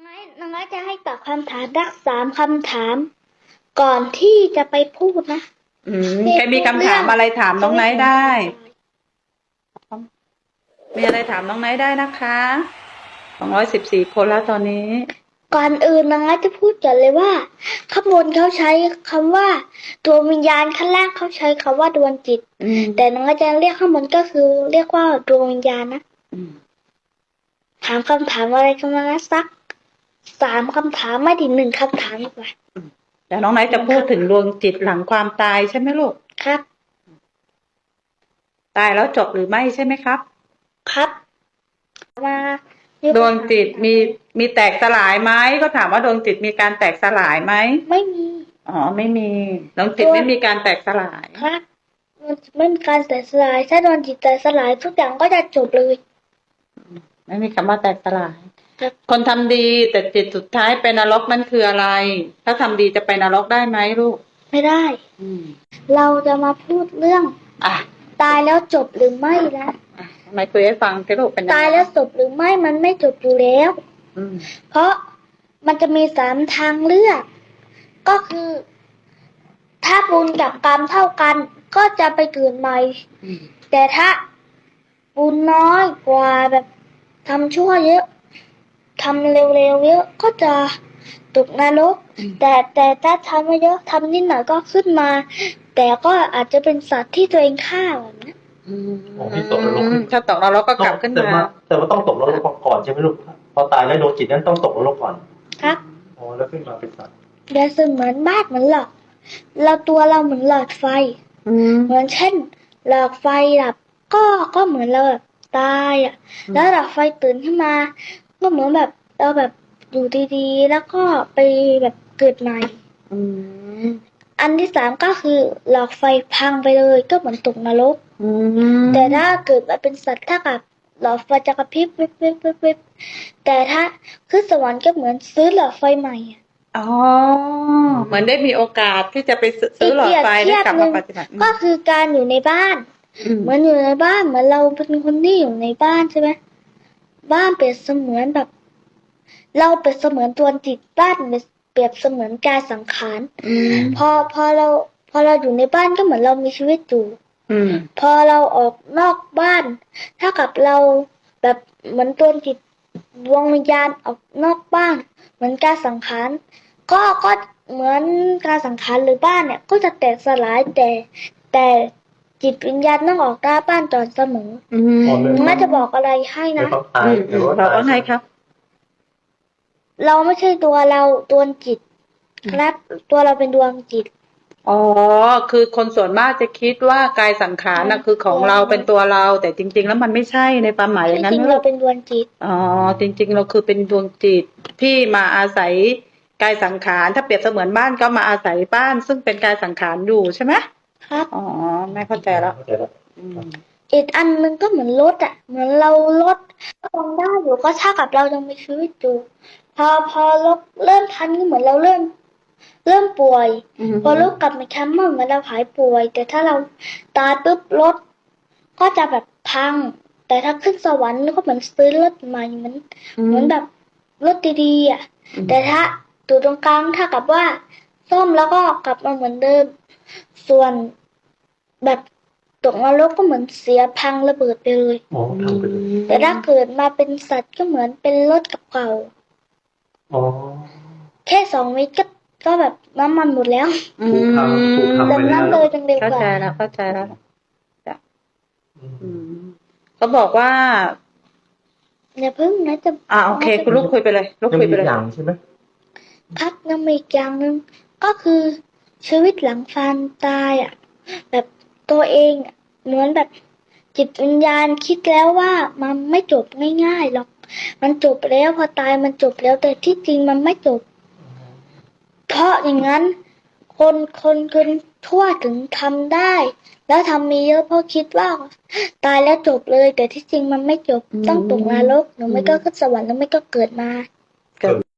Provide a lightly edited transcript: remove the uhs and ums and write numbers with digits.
น้องไม้จะให้ตอบคำถามสัก3 คำถาม ก่อนที่จะไปพูดนะใครมีคำถามอะไรถามน้องไนท์ได้ มีอะไรถามน้องไนท์ได้นะคะ214 คนแล้วตอนนี้ก่อนอื่นน้องไม้จะพูดก่อนเลยว่าข้างบนเขาใช้คำว่าดวงวิญญาณข้างล่างเขาใช้คำว่าดวงจิตแต่น้องอาจารย์เรียกข้างบนก็คือเรียกว่าดวงวิญญาณนะถามคำถามอะไรกันมานะสัก3 คำถามไม่ถึง1 คำถามดีกว่าแต่น้องไนท์จะพูดถึงดวงจิตหลังความตายใช่ไหมลูกครับตายแล้วจบหรือไม่ใช่ไหมครับครับมาดวงจิตมีแตกสลายไหมก็ถามว่าดวงจิตมีการแตกสลายไหมไม่มีไม่มีดวงจิตไม่มีการแตกสลายครับมันไม่มีการแตกสลายถ้าดวงจิตแตกสลายทุกอย่างก็จะจบเลยไม่มีคำว่าแตกสลายคนทำดีแต่จิตสุดท้ายไปนรกนั่นคืออะไรถ้าทำดีจะไปนรกได้ไหมลูกไม่ได้เราจะมาพูดเรื่องตายแล้วจบหรือไม่นะไม่คุยให้ฟังที่ลูกเป็นตายแล้วจบหรือไม่มันไม่จบอยู่แล้วเพราะมันจะมี3 ทางเลือกก็คือถ้าบุญกับกรรมเท่ากันก็จะไปเกิดใหม่แต่ถ้าบุญน้อยกว่าแบบทำชั่วเยอะทำเร็วๆเยอะก็จะตกนรกแต่ถ้าทำไม่เยอะทำนิดหน่อยก็ขึ้นมาแต่ก็อาจจะเป็นสัตว์ที่ตัวเองฆ่าแบบนี้ถ้าตกนรกก็กลับขึ้นมาแต่ว่าต้องตกนรกก่อนใช่ไหมลูกพอตายแล้วดวงจิตนั้นต้องตกนรกก่อนครับแล้วขึ้นมาเป็นสัตว์เดี๋ยวเหมือนบ้านเหมือนหลอดตัวเราเหมือนหลอดไฟเหมือนเช่นหลอดไฟดับก็เหมือนเราแบบตายแล้วหลอดไฟตื่นขึ้นมาก็เหมือนแบบเราแบบอยู่ดีๆแล้วก็ไปแบบเกิดใหม่อันที่3ก็คือหลอดไฟพังไปเลยก็เหมือนตกนรกแต่ถ้าเกิดมาเป็นสัตว์ถ้ากับหลอดไฟจะกระพริบวิบแต่ถ้าขึ้นสวรรค์ก็เหมือนซื้อหลอดไฟใหม่เหมือนได้มีโอกาสที่จะไปซื้อหลอดไฟได้กลับมาปฏิบัติก็คือการอยู่ในบ้านเหมือนอยู่ในบ้านเหมือนเราเป็นคนที่อยู่ในบ้านใช่ไหมบ้านเปรียบเสมือนแบบเราเปรียบเสมือนตัวจิตบ้านเปรียบเสมือนกายสังขารพอเราอยู่ในบ้านก็เหมือนเรามีชีวิตอยู่พอเราออกนอกบ้านถ้ากับเราแบบเหมือนตัวจิตดวงวิญญาณออกนอกบ้านเหมือนกายสังขารก็เหมือนการสังขารหรือบ้านเนี่ยก็จะแตกสลายแต่จิตวิญญาณต้องออกหน้าบ้านตอนเสมอน่าจะบอกอะไรให้นะเราว่าไงครับเราไม่ใช่ตัวเราดวงจิตครับตัวเราเป็นดวงจิตคือคนส่วนมากจะคิดว่ากายสังขารน่ะคือของเราเป็นตัวเราแต่จริงๆแล้วมันไม่ใช่ในความหมายอย่างนั้นจริงๆเราเป็นดวงจิตจริงๆเราคือเป็นดวงจิตที่มาอาศัยกายสังขารถ้าเปรียบเสมือนบ้านก็มาอาศัยบ้านซึ่งเป็นกายสังขารอยู่ใช่ไหมครับแม่เข้าใจแล้วอีกอันนึงก็เหมือนรถเหมือนเรารถลองได้อยู่ก็เท่ากับเรายังมีชีวิตอยู่พอรถเริ่มทันก็เหมือนเราเริ่มป่วยพอรถกลับมาแคมป์เหมือนเราหายป่วยแต่ถ้าเราตายปุ๊บรถก็จะแบบพังแต่ถ้าขึ้นสวรรค์ก็เหมือนซื้อรถใหม่เหมือนแบบรถดีๆแต่ถ้าอยู่ตรงกลางถ้ากับว่าซ่อมแล้วก็กลับมาเหมือนเดิมส่วนแบบตกนรกก็เหมือนเสียพังระเบิดไปเลยแต่ถ้าเกิดมาเป็นสัตว์ก็เหมือนเป็นรถเก่าแค่2 เมตรก็แบบน้ำมันหมดแล้วดังนั้นเลยจังเลยเข้าใจแล้วจ้ะเขาบอกว่าอย่าเพิ่งนะจะโอเคคุณลูกคุยไปเลยลูกคุยไปเลยใช่ไหมครับยังมีอีกอย่างนึงก็คือชีวิตหลังความตายแบบตัวเองเหมือนแบบจิตวิญญาณคิดแล้วว่ามันไม่จบง่ายๆหรอกมันจบแล้วพอตายมันจบแล้วแต่ที่จริงมันไม่จบเพราะอย่างนั้นคนทั่วถึงทำได้แล้วทำมีเยอะเพราะคิดว่าตายแล้วจบเลยแต่ที่จริงมันไม่จบต้องตกนรกหรือไม่ก็ขึ้นสวรรค์หรือไม่ก็เกิดมา